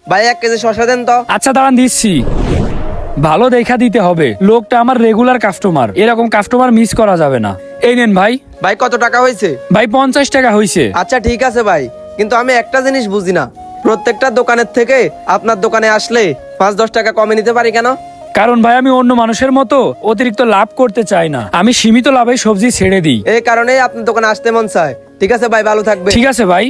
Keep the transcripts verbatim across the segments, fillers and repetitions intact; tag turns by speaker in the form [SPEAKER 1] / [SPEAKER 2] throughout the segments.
[SPEAKER 1] ভাই এক কেজি শসা দেন তো।
[SPEAKER 2] আচ্ছা দাঁড়ান দিচ্ছি। ভালো দেখা দিতে হবে, লোকটা আমার রেগুলার কাস্টমার, এরকম কাস্টমার মিস করা যাবে না। এই নেন ভাই।
[SPEAKER 1] ভাই কত টাকা হয়েছে?
[SPEAKER 2] ভাই পঞ্চাশ টাকা হয়েছে।
[SPEAKER 1] আচ্ছা ঠিক আছে ভাই, কিন্তু আমি একটা জিনিস বুঝি না, প্রত্যেকটা দোকানের থেকে আপনার দোকানে আসলে পাঁচ দশ টাকা কমে নিতে পারি কেন?
[SPEAKER 2] কারণ ভাই আমি অন্য মানুষের মতো অতিরিক্ত লাভ করতে চাই না, আমি সীমিত লাভে সবজি ছেড়ে দিই।
[SPEAKER 1] এই কারণেই আপনার দোকানে আসতে মন চায়। ঠিক আছে ভাই, ভালো থাকবে।
[SPEAKER 2] ঠিক আছে ভাই।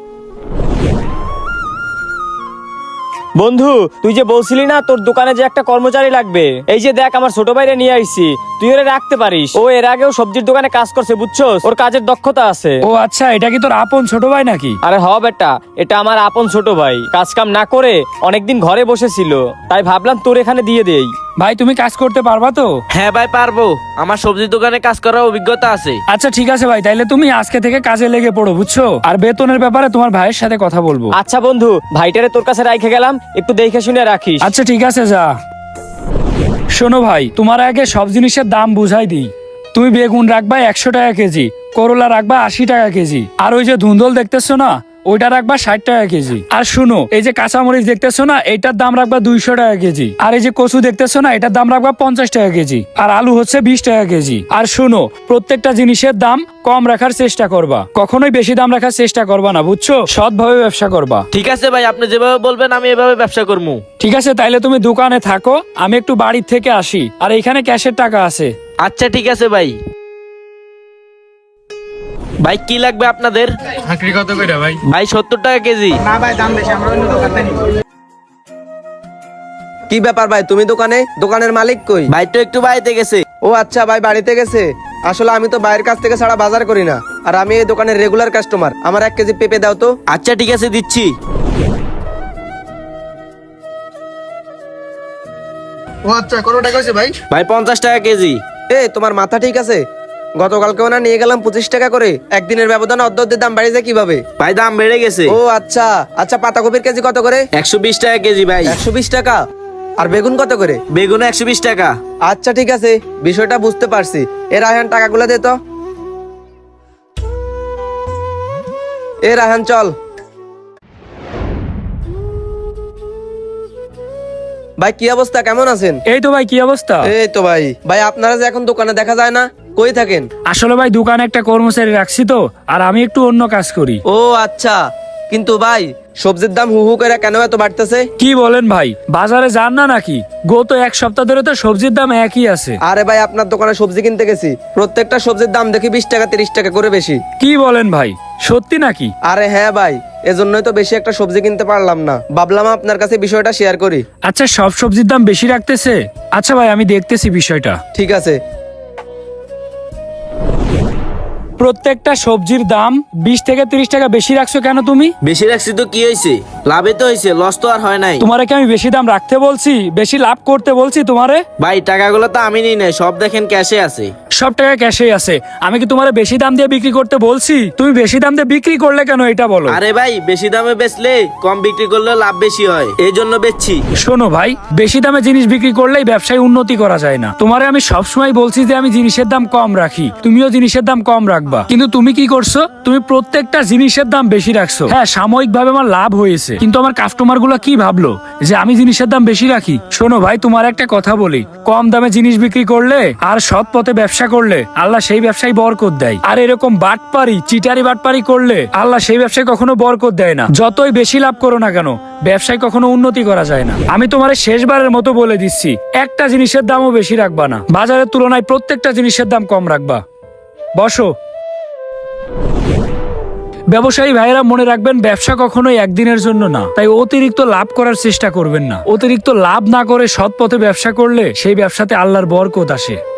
[SPEAKER 3] বন্ধু, তুই যে বলছিলি না তোর দোকানে যে একটা কর্মচারী লাগবে, এই যে দেখ আমার ছোট ভাইরে নিয়ে আইছি, তুই ওরে রাখতে পারিস। ও এর আগেও সবজির দোকানে কাজ করছে, বুঝছস, ওর কাজের দক্ষতা আছে।
[SPEAKER 2] ও আচ্ছা, এটা কি তোর আপন ছোট ভাই নাকি?
[SPEAKER 3] আরে হ বেটা, এটা আমার আপন ছোট ভাই, কাজ কাম না করে অনেকদিন ঘরে বসেছিল, তাই ভাবলাম তোর এখানে দিয়ে দেই।
[SPEAKER 2] ভাই তুমি কাজ করতে পারবা তো?
[SPEAKER 4] হ্যাঁ ভাই পারবো, আমার সবজির দোকানে কাজ করার অভিজ্ঞতা আছে।
[SPEAKER 2] আচ্ছা ঠিক আছে ভাই, তাইলে তুমি আজকে থেকে কাজে লেগে পড়ো, বুঝছো? আর বেতনের ব্যাপারে তোমার ভাইয়ের সাথে কথা বলবো।
[SPEAKER 3] আচ্ছা বন্ধু, ভাইটারে তোর কাছে রাইখে গেলাম, একটু দেখে শুনে রাখিস।
[SPEAKER 2] আচ্ছা ঠিক আছে, যা। শোনো ভাই, তোমার আগে সব জিনিসের দাম বুঝাই দিই। তুমি বেগুন রাখবা একশো টাকা কেজি, করলা রাখবা আশি টাকা কেজি, আর ওই যে ধুন্দল দেখতেছো না, ওইটা রাখবা ষাট টাকা কেজি। আর শুনো, এই যে কাঁচামরিচ দেখতেছো না, এটার দাম রাখবা দুইশো টাকা কেজি। আর এই যে কচু দেখতেছো না, এটার দাম রাখবা পঞ্চাশ টাকা কেজি। আর আলু হচ্ছে বিশ টাকা কেজি। আর শুনো, প্রত্যেকটা জিনিসের দাম কম রাখার চেষ্টা করবা, কখনোই বেশি দাম রাখার চেষ্টা করবা না, বুঝছো? সৎভাবে ব্যবসা করবা।
[SPEAKER 4] ঠিক আছে ভাই, আপনি যেভাবে বলবেন আমি এভাবে ব্যবসা করবো।
[SPEAKER 2] ঠিক আছে, তাইলে তুমি দোকানে থাকো, আমি একটু বাড়ির থেকে আসি। আর এখানে ক্যাশের টাকা আছে।
[SPEAKER 4] আচ্ছা ঠিক আছে ভাই। ভাই কি লাগবে আপনাদের?
[SPEAKER 2] চাকরি কত করে ভাই?
[SPEAKER 4] ভাই সত্তর টাকা কেজি।
[SPEAKER 1] কি ব্যাপার ভাই, তুমি দোকানে? দোকানের মালিক কই?
[SPEAKER 4] ভাই তো একটু বাড়িতে গেছে।
[SPEAKER 1] ও আচ্ছা, ভাই বাড়িতে গেছে। আসলে আমি তো বাইরের কাছ থেকে ছাড়া বাজার করি না, আর আমি এই দোকানের রেগুলার কাস্টমার। আমার এক কেজি পেঁপে দাও তো।
[SPEAKER 4] আচ্ছা ঠিক আছে, দিচ্ছি।
[SPEAKER 1] ও আচ্ছা, কত টাকা হয়েছে ভাই?
[SPEAKER 4] ভাই পঞ্চাশ টাকা কেজি।
[SPEAKER 1] এ তোমার মাথা ঠিক আছে? গতকালকেও না নিয়ে গেলাম পঁচিশ টাকা করে, একদিনের ব্যবধানে অর্ধ অর্ধের দাম বাড়িয়ে যায় কিভাবে?
[SPEAKER 4] ভাই দাম বেড়ে গেছে।
[SPEAKER 1] ও আচ্ছা আচ্ছা, পাতাকপির কেজি কত করে?
[SPEAKER 4] একশো বিশ টাকা কেজি ভাই।
[SPEAKER 1] একশো বিশ টাকা। আর বেগুন কত করে?
[SPEAKER 4] বেগুন একশো বিশ টাকা।
[SPEAKER 1] আচ্ছা ঠিক আছে, বিষয়টা বুঝতে পারছি। এ রায়হান, টাকাগুলো দে তো। এ রায়হান চল। ভাই কি অবস্থা, কেমন আছেন?
[SPEAKER 2] এই তো ভাই, কি অবস্থা?
[SPEAKER 1] এই তো ভাই। ভাই আপনারা যে এখন দোকানে দেখা যায় না, কই থাকেন?
[SPEAKER 2] আসলে ভাই দোকানে একটা কর্মচারী রাখছি তো, আর আমি একটু অন্য কাজ করি।
[SPEAKER 1] ও আচ্ছা, কিন্তু ভাই সবজির দাম হু হু করে কেন এত বাড়তেছে?
[SPEAKER 2] কি বলেন ভাই, বাজারে যান না নাকি? গত এক সপ্তাহ ধরে তো সবজির দাম একই আছে।
[SPEAKER 1] আরে ভাই, আপনার দোকানে সবজি কিনতে গেছি, প্রত্যেকটা সবজির দাম দেখি বিশ টাকা তিরিশ টাকা করে বেশি।
[SPEAKER 2] কি বলেন ভাই, সত্যি নাকি?
[SPEAKER 1] আরে হ্যাঁ ভাই, এজন্যই তো বেশি একটা সবজি কিনতে পারলাম না, ভাবলাম আপনার কাছে বিষয়টা শেয়ার করি।
[SPEAKER 2] আচ্ছা, সব সবজির দাম বেশি রাখতেছে? আচ্ছা ভাই, আমি দেখতেছি বিষয়টা।
[SPEAKER 1] ঠিক আছে।
[SPEAKER 2] প্রত্যেকটা সবজির দাম বিশ থেকে তিরিশ টাকা বেশি রাখছো কেন তুমি?
[SPEAKER 4] বেশি রাখছি তো কি হয়েছে, লাভে তো হয়েছে, লস তো আর হয় নাই।
[SPEAKER 2] তোমারে কি আমি বেশি দাম রাখতে বলছি, বেশি লাভ করতে বলছি তোমারে?
[SPEAKER 4] ভাই টাকাগুলো তো আমি নিই নাই, সব দেখেন ক্যাশে আছে।
[SPEAKER 2] সব টাকা ক্যাশেই আছে। আমি কি তোমারে বেশি দাম দিয়ে বিক্রি করতে বলছি? তুমি বেশি দাম দিয়ে বিক্রি করলে কেন, এটা বলো।
[SPEAKER 4] আরে ভাই, বেশি দামে বেচলে কম বিক্রি করলে লাভ বেশি হয়, এই জন্য বেচছি।
[SPEAKER 2] শোনো ভাই, বেশি দামে জিনিস বিক্রি করলেই ব্যবসায় উন্নতি করা যায় না। তোমারে আমি সবসময় বলছি যে আমি জিনিসের দাম কম রাখি, তুমিও জিনিসের দাম কম রাখবা, কিন্তু তুমি কি করছো? তুমি প্রত্যেকটা জিনিসের দাম বেশি রাখছো। হ্যাঁ, সাময়িক ভাবে আমার লাভ হয়েছে, কিন্তু আমার কাস্টমার গুলা কি ভাবলো যে আমি জিনিসের দাম বেশি রাখি? শোনো ভাই, তোমার একটা কথা বলি, কম দামে জিনিস বিক্রি করলে আর সৎ পথে ব্যবসা করলে আল্লাহ সেই ব্যবসায় বরকত দেয়। আর এরকম বাটপারি চিটারি বাটপারি করলে আল্লাহ সেই ব্যবসায় কখনো বরকত দেয় না। যতই বেশি লাভ করো না কেন, ব্যবসায় কখনো উন্নতি করা যায় না। আমি তোমারে শেষবারের মতো বলে দিচ্ছি, একটা জিনিসের দামও বেশি রাখবা না, বাজারের তুলনায় প্রত্যেকটা জিনিসের দাম কম রাখবা। বসো। ব্যবসায়ী ভাইয়েরা মনে রাখবেন, ব্যবসা কখনোই একদিনের জন্য না, তাই অতিরিক্ত লাভ করার চেষ্টা করবেন না। অতিরিক্ত লাভ না করে সৎ পথে ব্যবসা করলে সেই ব্যবসাতে আল্লাহর বরকত আসে।